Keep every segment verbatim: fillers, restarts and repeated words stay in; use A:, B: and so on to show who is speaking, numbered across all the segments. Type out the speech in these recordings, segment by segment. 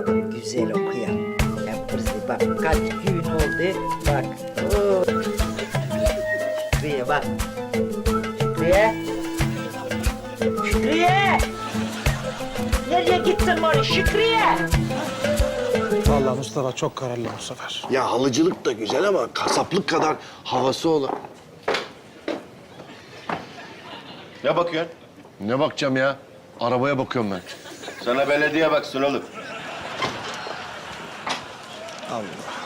A: bakalım güzel okuyan. Yaparız bak kaç gün oldu bak. Oo. Şükrü'ye bak. Şükrü'ye. Şükrü'ye. Nereye gittin Mori Şükrü'ye?
B: Vallahi Mustafa çok kararlı bu sefer.
C: Ya halıcılık da güzel ama kasaplık kadar havası olan.
D: Ne bakıyorsun?
C: Ne bakacağım ya? Arabaya bakıyorum ben.
D: Sana belediye baksın oğlum.
B: Allah.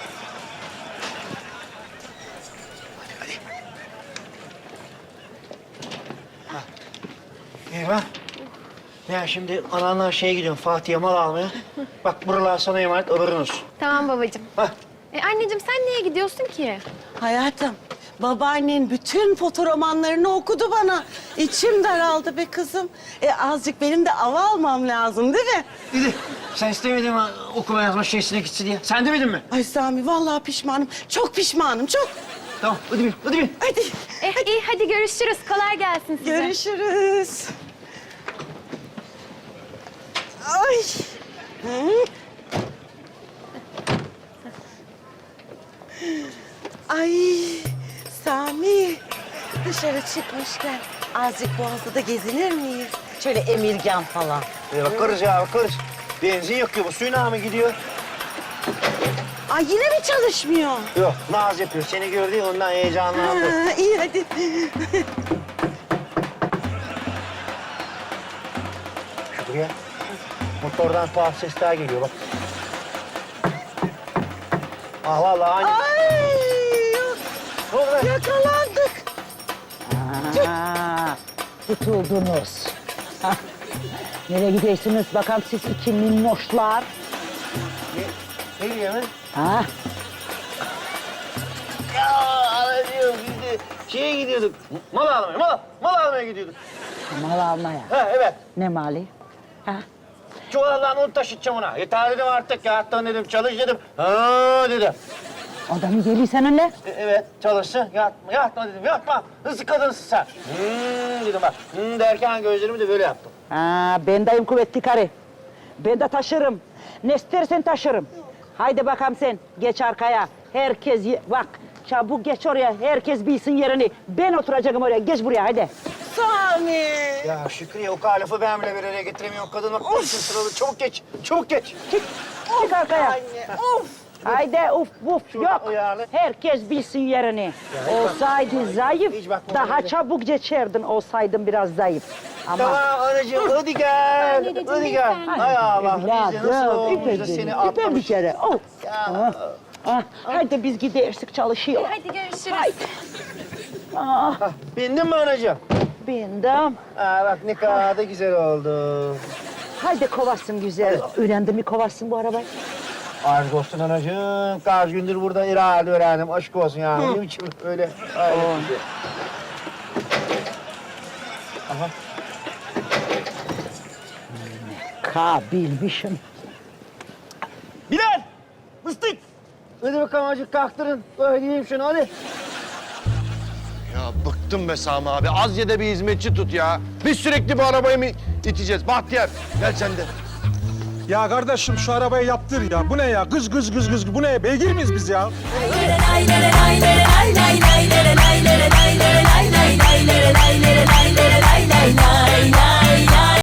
A: Eyvah. Ya şimdi ananla şeye gidiyorum Fatih'e mal almaya. Bak buralar sana emanet haberin olsun.
E: Tamam babacığım.
A: Hah.
E: E, anneciğim sen niye gidiyorsun ki?
F: Hayatım, babaannen bütün fotoromanlarını okudu bana. İçim daraldı be kızım. E azıcık benim de ava almam lazım değil mi?
A: Dedi sen istemedin mi okuma yazma şeysine gitsin diye. Sen demedin mi?
F: Ay Sami vallahi pişmanım. Çok pişmanım, çok.
A: Tamam hadi bin hadi bin.
F: Hadi
E: E, iyi hadi görüşürüz. Kolay gelsin size.
F: görüşürüz. Ay. Hı? Ay Sami, dışarı çıkmışken azıcık Boğaz'da da gezinir miyiz? Şöyle Emirgan falan.
A: Ya bakarız ya bakarız. Benzin yok ki bu suyuna mı gidiyor?
F: Ay yine mi çalışmıyor?
A: Yok naz yapıyor. Seni gördü ya, ondan heyecanlandı.
F: Ha, iyi hadi.
A: Şuraya. Motordan tuhaf sesler geliyor bak. Ah vallahi aynı.
F: Ay
A: Ne oldu be?
F: yakalandık.
G: Aa, tutuldunuz. Hah. Nereye gidiyorsunuz bakalım siz iki minnoşlar?
A: Ne, ne diyor lan?
G: Ha?
A: Ya anacığım biz de şeye gidiyorduk. Mal almaya, mal, mal almaya gidiyorduk.
G: Mal almaya.
A: Ha evet.
G: Ne mali? Ha?
A: Çuvaldan onu taşıtacağım ona. Yeter dedim artık ya. Hatta dedim çalış dedim. Ha dedi.
G: O da mı geliyor seninle?
A: E, evet çalışsın. Yatma, yatma dedim. Yatma. Nasıl kadınsın sen? Hmm dedim bak. Hmm derken gözlerimi de böyle yaptım.
G: Ha, ben dayım kuvvetli karı. Ben de taşırım. Ne istersen taşırım. Haydi bakalım sen. Geç arkaya. Herkes ye- bak. Çabuk geç oraya. Herkes bilsin yerini. Ben oturacağım oraya. Geç buraya haydi.
F: Sami.
A: Ya Şükrü'ye o kadar lafı ben bile bir araya getiremiyorum. Kadın bak konuşun sıralı. Çabuk geç. Çabuk geç.
G: Çık. Çık arkaya.
F: Anne, of.
G: Haydi uf uf
A: Şuradan
G: yok.
A: uyarlı.
G: Herkes bilsin yerini. Olsaydı zayıf,
A: hiç bakma
G: daha
A: öyle.
G: çabuk geçerdin olsaydın biraz zayıf. Ama
A: Tamam anacığım hadi gel.
E: Anneciğim,
A: Hadi gel.
E: lütfen.
A: Hay Allah. Biz de nasıl
G: evladım,
A: olmuş da
G: ipe,
A: seni
G: ipe bir
A: atlamış.
G: kere. Oh.
A: Ya.
G: Ah, ah, Haydi biz gidersek çalışıyor.
E: Hadi görüşürüz.
G: Ah,
A: Bindin mi anacığım?
G: bindim.
A: Aa, bak ne kadar da güzel oldu.
G: Haydi kovarsın güzel. Öğrendin mi kovarsın bu arabayı?
A: Aşk olsun anacığım. Kaç gündür burada irade öğrendim. Aşk olsun yani. Benim için öyle. Aynen. Aha.
G: Kabilmişim.
A: Bilal! Mıstık! Hadi bakalım acık kalktırın. Öyleyeyim şunu hadi.
C: Ya bıktım be Sami abi. Az ye de bir hizmetçi tut ya. Biz sürekli bu arabayı mı iteceğiz? Bahtiyar gel sen de.
B: Ya kardeşim şu arabayı yaptır ya. Bu ne ya? Gız gız gız gız. Bu ne? Beygir miyiz biz ya?
H: lay lay lay lay lay lay lay lay lay lay lay lay lay